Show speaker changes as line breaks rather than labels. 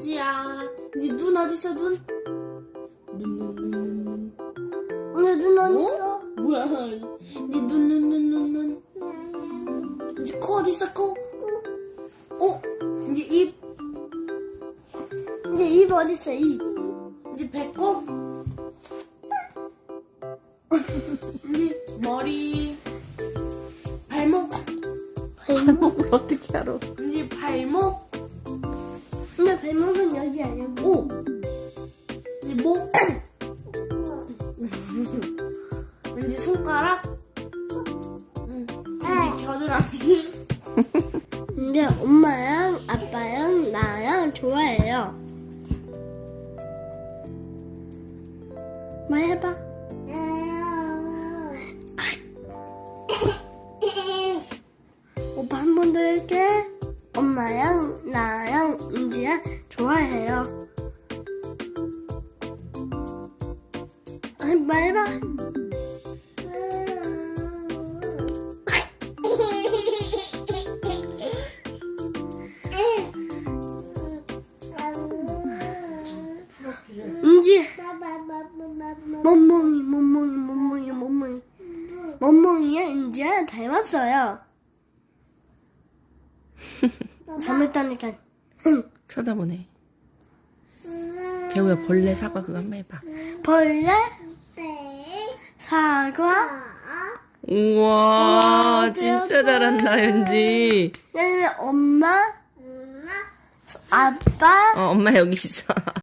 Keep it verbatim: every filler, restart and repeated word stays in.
은지야, 이제 눈 어딨어, 눈? 눈, 눈, 눈, 눈, 눈.
내 눈
어?
어딨어?
뭐야? 이제 눈, 눈, 눈, 눈, 눈. 이제 코 어딨어, 코? 어? 이제 입,
이제 입 어딨어, 입?
이제 배꼽. 이제 머리, 발목.
발목을 어떻게 알아?
이제 발목.
근데 발목은 여기 아니야.
오. 이제 목. 이제 손가락. 응. 이제 겨드랑이.
근데 엄마랑 아빠랑 나랑 좋아해요. 말 해봐. 오빠 한 번 더 할게. 엄마랑 나랑 은지야 좋아해요. 아니, 말해봐. 은지. 멍멍이, 멍멍이, 멍멍이, 멍멍이. 멍멍이야, 은지야 닮았어요. 잘못하니까.
쳐다보네. 재우야 벌레 사과 그거 한번 해봐.
벌레, 사과,
우와
우와,
진짜
대박.
잘한다 현지.
그다음에 엄마, 아빠,
어 엄마 여기 있어.